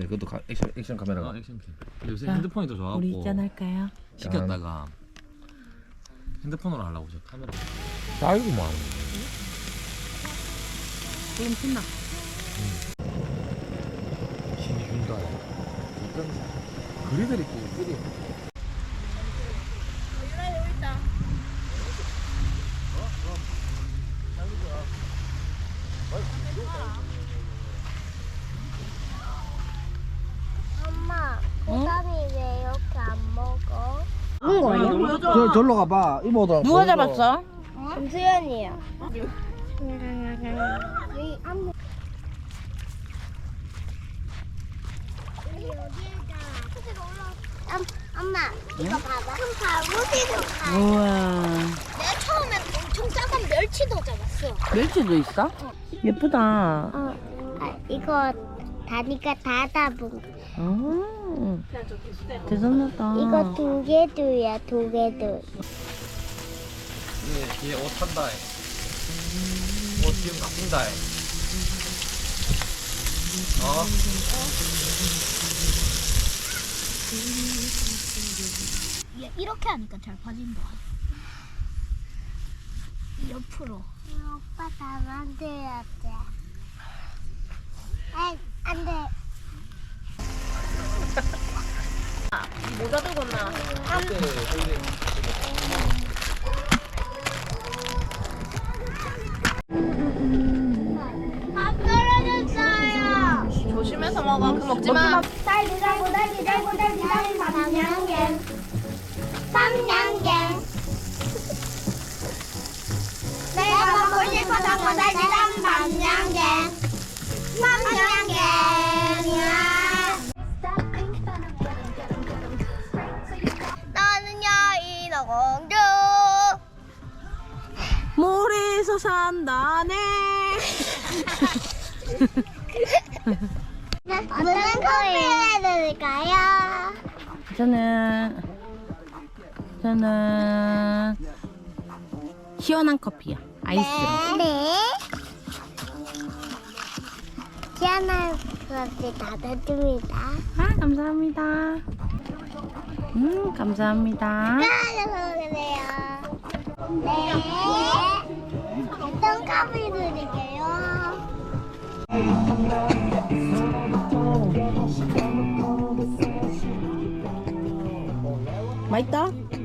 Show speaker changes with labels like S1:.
S1: 네, 그것도 액션 카메라가.
S2: 액션캠. 요새 핸드폰이 더 좋아갖고
S3: 우리 입장할까요?
S2: 시켰다가 핸드폰으로 하려고 저 카메라.
S1: 딸구만.
S3: 지금 신나.
S1: 힘이 준다. 그리들 있고 그리.
S4: 엄마, 고담이 왜 이렇게 안 먹어?
S3: 누군 거예요?
S1: 절로 가봐. 이모다.
S3: 누가 잡았어?
S4: 김수현이요. 여기 여기에다 엄마, 이거 봐봐. 큰 바구니도 가.
S3: 우와.
S4: 내가 처음엔 엄청 작은 멸치도 잡았어.
S3: 멸치도 있어? 예쁘다.
S4: 이거 다니까 다 잡은 거.
S3: 대단하다.
S4: 이거 두 개도야, 두 개도.
S2: 뒤에 옷 탄다. 옷 지금 바꾼다.
S4: 이렇게 하니까 잘 빠진다. 옆으로. 오빠 다 만들어야 돼. 안 돼.
S3: 모자 들고 나.
S4: 밥 떨어졌어요.
S3: 조심해서 먹어. 그 먹지 마.
S4: 달고 밤양갱. 내가 먹고 싶어서 달지단 밤양갱. 나는요 인어공주.
S3: 모래에서 산다네.
S4: 무슨 커피 해드릴까요?
S3: 저는 시원한 커피야. 아이스로.
S4: 네. 시원한 커피 닫아줍니다.
S3: 아, 감사합니다. 감사합니다.
S4: 까져서 그래요. 네. 어떤 커피 드릴게요?
S3: 맛있다?